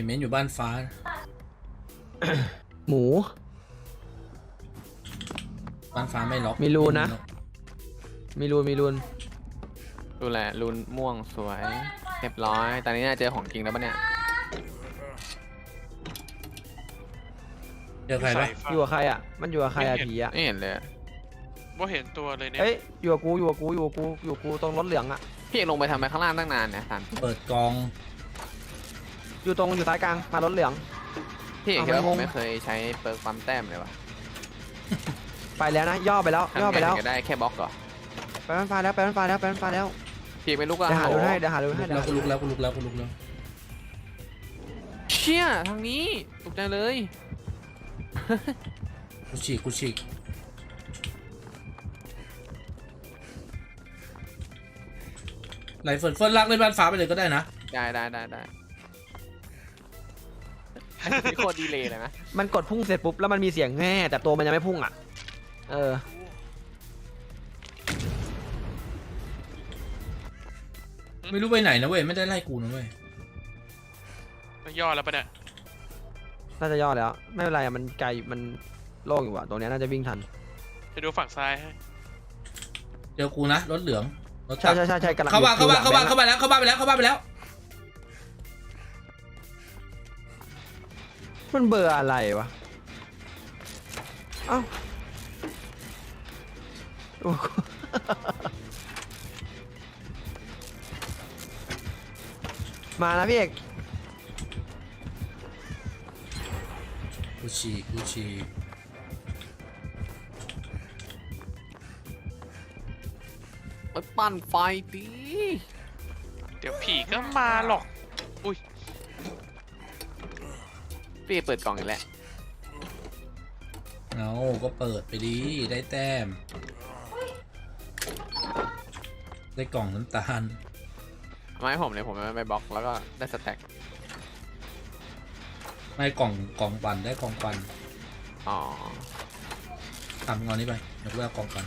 เมนอยู่บ้านฟ้าหมูบ้านฟ้าไม่ล็อกมีรูนะ มีรูนดูแลรูนม่วงสวยเรียบร้อยตอนนี้น่าเจอของจริงแล้วปะเนี่ยเจอใครปะอยู่กับใครอ่ะมันอยู่กับใครอ่ะผีอ่ะไม่เห็นเลยว่าเห็นตัวเลยเนี่ยเอ้ยอยู่กับกูตรงรถเหลืองอ่ะพี่เอกลงไปทำไมข้างล่างตั้งนานเนี่ยสันเปิดกองอยู่ซ้ายกลางมารถเหลืองพี่เอกเอาคิดว่าไม่ผงมงไม่เคยใช้เปิร์กปั๊มแต้มเลยวะไปแล้วนะย่อไปแล้วทำไงถึงจะได้แค่บล็อกเหรอไปบ้านฟ้าแล้วพี่เอกไม่ลุกอะเดี๋ยวหาดูให้แล้วกูลุกแล้วกูลุกแล้วกูลุกแล้วเชี่ยทางนี้ตกใจเลยกูฉีกไหลเฟิร์นลากเลยบ้านฟ้าไปเลยก็ได้นะได้โคตรดีเลยนะมันกดพุ่งเสร็จปุ๊บแล้วมันมีเสียงแง่แต่ตัวมันยังไม่พุ่งอ่ะเออไม่รู้ไปไหนนะเว้ยไม่ได้ไล่กูนะเว้ยมันย่อแล้วปะเนี่ยน่าจะย่อแล้วไม่เป็นไรอ่ะมันไกลมันโล่งอยู่อ่ะตรงเนี้ยน่าจะวิ่งทันจะดูฝั่งซ้ายให้เจอกูนะรถเหลืองรถใช่กำลังเข้าบ้านอยู่หลังไปแล้วมันเบอร์อะไรวะเอ้าโอ้โหมาแล้วพี่เอกกูฉีกไปปั่นไฟดีเดี๋ยวผีก็มาหรอกอุ้ยพี่เอกเปิดกล่องอีกแล้วเอาก็เปิดไปดีได้แต้มได้กล่องน้ำตาลมาให้ผมเลยผมไปบล็อกแล้วก็ได้สแต็กไม่กล่องปันได้กล่องปันอ๋อทำเงานี้ไปเดี๋ยวกูเอากล่องปัน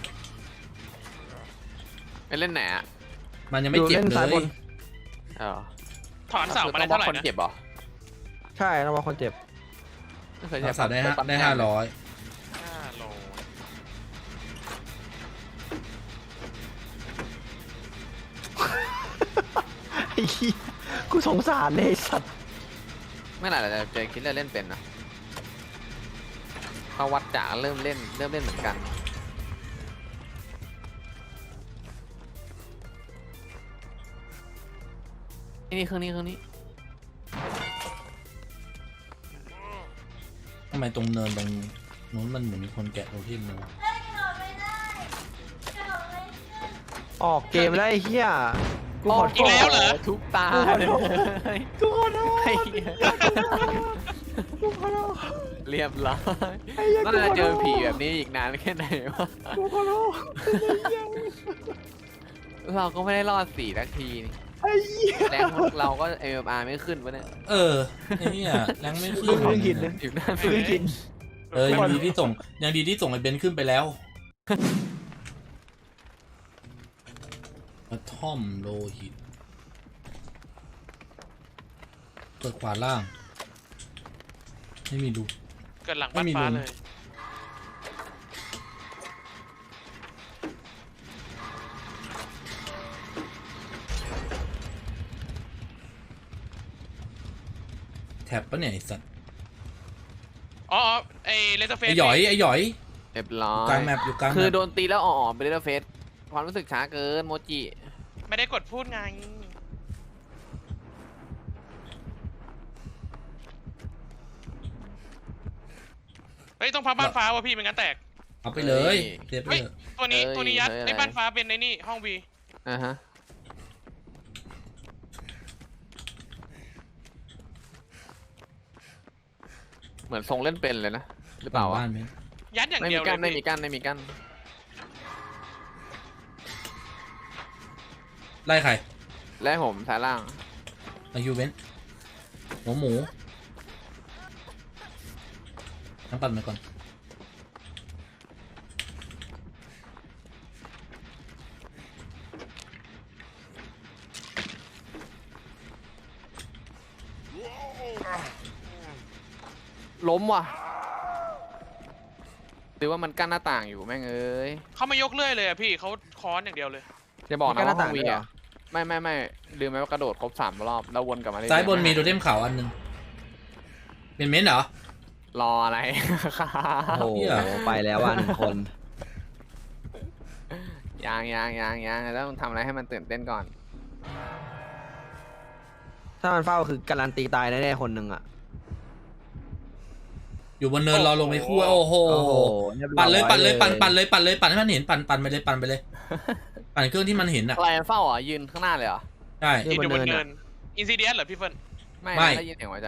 ไปเล่นไหนอะมันยังไม่เจ็บล่นเลซ้ายบยนเออถอนเสามาได้ต้องบล็อเท่าก ไหร่คนนะเจ็บเหรอใช่แล้วว่าคนเจ็บไม่เคยใช้สาวได้เปิปั๊มได้แต้ม 500 5 โลไอ้เหี้ยกูสงสารเลยไอ้สัตว์เมื่อไหร่เราจะเจอคิดเล่นเป็นนะเขาวัดจ่าเริ่มเล่นเหมือนกันนี่เครื่องนี้ทำไมตรงเนินตรงนู้นมันเหมือนมีคนแกะโรทิมเลยวะออกเกมแล้วไอ้เหี้ยกูขอโทอีกษแล้วเหรอทุกตาเลยกูขอโทษไอ้เหี้ยกูขอโทษเรียบร้อยไอ้เหี้ยน่าจะเจอผีแบบนี้อีกนานแค่ไหนวะกูขอโทษเราก็ไม่ได้รอด4 นาทีนี่ไอ้เหี้ยแรงเราก็ MMR ไม่ขึ้นวะเนี่ยเออไอ้เนี่ยแรงไม่ขึ้นกูเพิ่งกินเลยอยู่หน้าเพิ่งกินยังดีที่ส่งไอ้เบนซ์ขึ้นไปแล้วกระท่อมโลหิตเปิดขวาล่างไม่มีดูเกิดหลังบ้านฟ้าเลยแท็บปะเนี่ยไอ้สัตว์อ๋อไอ้เลเซอร์เฟสไอ้หยอยเรียบร้ออยู่กลางยแมปอยู่กลางแมปคือโดนตีแล้วอ่อนๆไปเรื่อยๆเฟสความรู้สึกช้าเกินโมจิไม่ได้กดพูดไงเฮ้ยต้องพับบ้านฟ้าวะพี่เป็นงั้นแตกเอาไปเลยเซฟเฮ้ยเลยตัวนี้ยัดในบ้านฟ้าเป็นในนี่ห้องวีอ่าฮะเหมือนทรงเล่นเป็นเลยนะหรือเปล่าวะบ้านเบนซ์ยัดอย่างไม่เดีมียวกั้นเลไม่ยมีพี่กั้นไม่มีกั้นไล่ใครและผมซ้ายล่างไอยูเบนซ์หมูน้ำปั่นไปก่อนล้มว่ะหรือว่ามันกั้นหน้าต่างอยู่แม่งเอ้ยเขาไม่ยกเลื่อยเลยอะพี่เขาค้อนอย่างเดียวเลยจะบอกมันกั้นะนหว่าน้าห้ต่าอง งวีด้วยเหรออ่ะไม่ลืมไหมว่ากระโดดครบ3 รอบแล้ววนกลับมาเรื่อยๆซ้ายบนมีโทเทมขาวอันหนึงเป็นเม้นเหรอรออะไรโอ้โหเหี้ยไปแล้วว่ะ1 คนยังต้องทำอะไรให้มันตื่นเต้นก่อนถ้ามันเฝ้าคือการันตีตายแน่ๆคนหนึ่งอ่ะอยู่บนเนินรอลงไปคู่โอ้โหโอ้โหรีบร้อปั่นเลยปั่นเลยปั่นเลยให้มันเห็นปั่นไปเลยปั่นไปเลย ปั่นเครื่องที่มันเห็นอ่ะอะไรเฝ้าอ่ะยืนข้างหน้าเลยเหรอใช่ยืนอยู่บนเนินอินซิเดียสเหรอพี่เฟิร์นไม่ไม่ได้ยินเสียงหัวใจ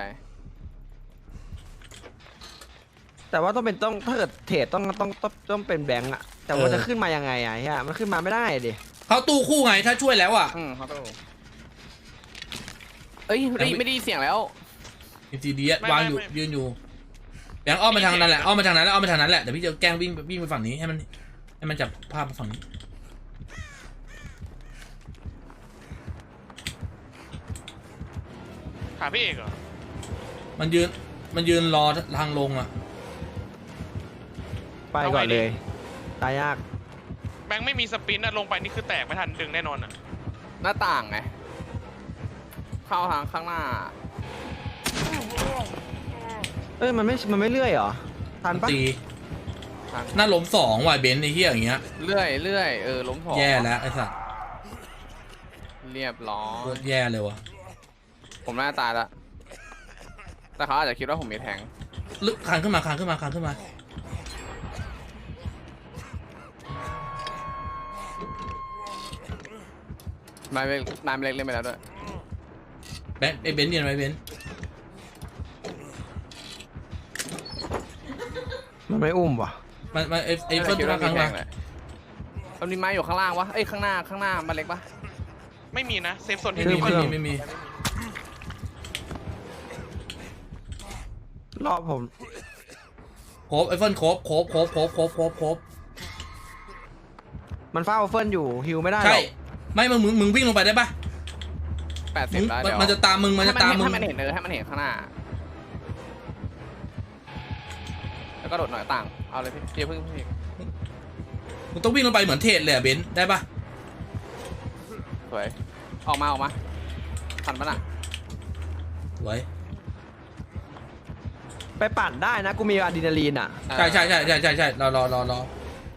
แต่ว่าต้องถ้าเกิดเทรดต้องเป็นแบงก์อ่ะแต่ว่าจะขึ้นมายังไงอ่ะเฮียมันขึ้นมาไม่ได้ดิเขาตู้คู่ไงถ้าช่วยแล้วอ่ะเขาต้องเอ้ยไม่ได้ยินเสียงแล้วอินซีเดียวางอยู่ยืนอยู่แบงค์อ้อมมาทางนั้นแหละอ้อมมาทางนั้นแล้วอ้อมมาทางนั้นแหละเดี๋ยวพี่จะแกล้งวิ่งไปฝั่งนี้ให้มันจับภาพมาฝั่งนี้หาพี่เอกเหรอมันยืนรอทางลงอ่ะไปก่อนเลยตายยากแบงค์ไม่มีสปินอะลงไปนี่คือแตกไม่ทันดึงแน่นอนอะหน้าต่างไงเข้าทางข้างหน้าเอ้ยมันไม่เลื่อยเหรอทันปะตีหน้าล้ม2ว่ะเบนซ์ไอ้เหี้ยอย่างเงี้ยเรื่อยล้มถอแย่แล้วไอ้สัสเรียบร้อโคยตรแย่เลยว่ะผมน่าตายละแต่เขาอาจจะคิดว่าผมมีแทงลึกคานขึ้นมานายเล็กเล่นไปแล้วด้วยแบงค์ไอ้เบนซ์เนียนไว้เบนซ์มันไม่อุ้มว่ะมันไอ้เฟิร์นทุกครั้งมามันมีไม้อยู่ข้างล่างวะเอ้ยข้างหน้ามันเล็กปะไม่มีนะเซฟโซนไม่ที่มีพี่เฟิร์นไม่มีรอบผมโคบไอ้เฟิร์นโคบมันเฝ้าเฟิร์นอยู่ฮิวไม่ได้หรใช่อกไม่มึงวิ่งลงไปได้ปะ 80แล้วเดี๋ยวมันจะตามมึงมันจะตามมึงให้มันเห็นให้มันเห็นข้างหน้าแล้วก็โดดหน่อยต่างเอาเลยพี่เพิ่งมึงต้องวิ่งลงไปเหมือนเทรดเลยอะเบนซ์ได้ปะสวยออกมาทันปะน่ะสวยไปปั่นได้นะกูมีอะดรีนาลีนอ่ะใช่รอ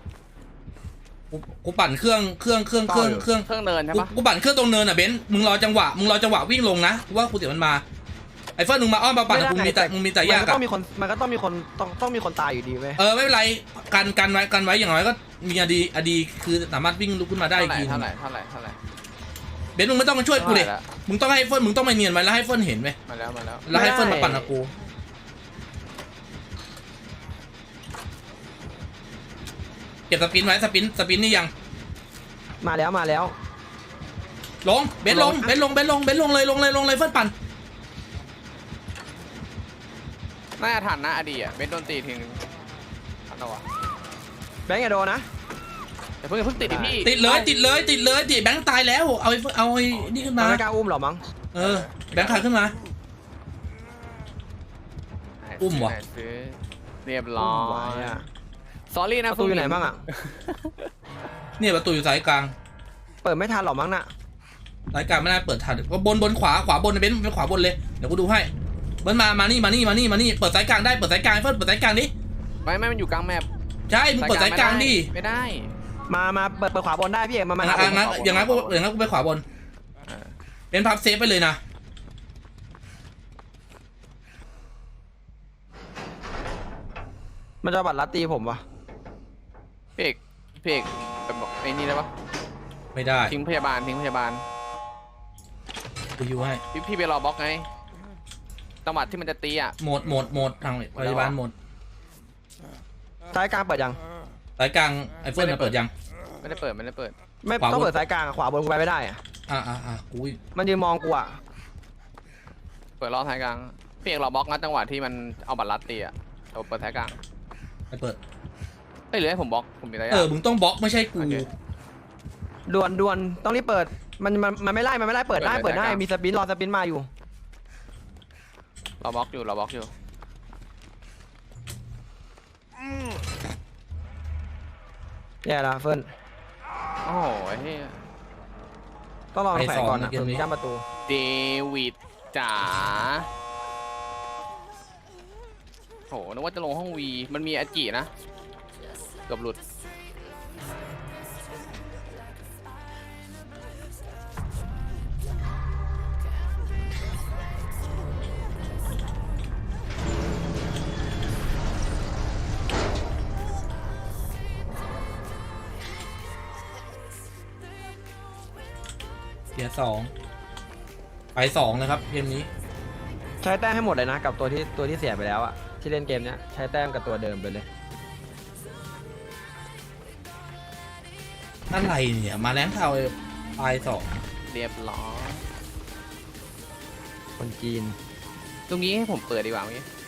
กูปั่นเครื่องเครื่องเดินใช่ปะกูปั่นเครื่องตรงเนินอ่ะเบนซ์มึงรอจังหวะวิ่งลงนะกูว่ากูเดี๋ยวมันมาไอ้เฟิร์นมึงมาอ้อมมาปั่นกับกูมึงมีแต่ยากมันก็อะต้องมีคนต้องมีคนตายอยู่ดีเว้ยไม่เป็นไรกันไว้อย่างน้อยก็มีอดีคือสามารถวิ่งลุกขึ้นมาได้อีกทีเท่าไหร่เบนซ์มึงไม่ต้องมาช่วยกูเลยมึงต้องให้เฟิร์นมึงต้องมาเนียนไว้แล้วให้เฟิร์นเห็นไว้มาแล้วแล้วให้เฟิร์นมาปั่นกับกูเก็บสปินไว้สปินนี่ยังมาแล้วลงเบนซ์ลงเลยเฟิร์นปั่นน่าจะทันนะอดีอ่ะเบนโดนตีทิ้งทันแล้ววะแบงค์อย่าโดนนะแต่เพิ่งติดดิพี่ติดเลยแบงค์ตายแล้วเอาไอ้นี่ขึ้นมัมานไม่กล้าอุ้มหรอมั้งแบงค์ขาขึ้นมา อุ้มว่ะซื้อเรียบร้อไว้ยอะสอรี่ปนะระตูอยู่ไหนบ้างอ่ะเนี่ยประตูอยู่สายกลางเปิดไม่ทันหรอมั้งน่ะสายกลางไม่น่าเปิดทันก็บนขวาบนเบนซ์เป็นขวาบนเลยเดี๋ยวกูดูให้เบิ้ลมานี่เปิดสายกลางได้เปิดสายกลางเฟิร์นเปิดสายกลางดิไม่มันอยู่กลางแมปใช่มึงเปิดสายกลางดิไม่ได้มาเปิดขวาบนได้พี่เอกมาหาผมอย่างนั้นกูไปขวาบนเป็นพับเซฟไปเลยนะมันจะบัตรลัดตีผมวะพี่เอกแบบบอกไอ้นี่ได้ปะไม่ได้ทิ้งพยาบาลกูยูให้พี่ไปรอบล็อกไงจังหวะที่มันจะตีอ่ะหมดทางพยาบาลหมดซ้ายกลางเปิดยังสายกลางไอ้เฟิร์นเปิดยังไม่ได้เปิดไม่ขวาบนต้องเปิดซ้ายกลางขวาบนกูไปไม่ได้อะกูมันยืนมองกูอ่ะเปิดรอบท้ายกลางพี่เอกรอบล็อกนะจังหวะที่มันเอาบัตรลัดตีอ่ะเราเปิดท้ายกลางไปเปิดเอ้ยหรือให้ผมบล็อกผมมีอะไรมึงต้องบล็อกไม่ใช่กูด่วนต้องรีบเปิดมันไม่ไล่เปิดได้มีสปินรอสปินมาอยู่เราบล็อกอยู่แย่ละเฟิร์นโอ้โหเฮ้ยต้องลองแฝงก่อนนะไปสองนะเกมนี้ถึงย่ำประตูเดวิดจ๋าโหนึกว่าจะลงห้องวีมันมีอาจินะเกือบหลุดเสียสองไปสองเลยครับเกมนี้ใช้แต้มให้หมดเลยนะกับตัวที่เสียไปแล้วอะที่เล่นเกมเนี้ยใช้แต้มกับตัวเดิมไปเลยอะไรเนี่ยมาแรงเทาไปสองเรียบร้อยคนจีนตรงนี้ให้ผมเปิดดีกว่าเมื่อกี้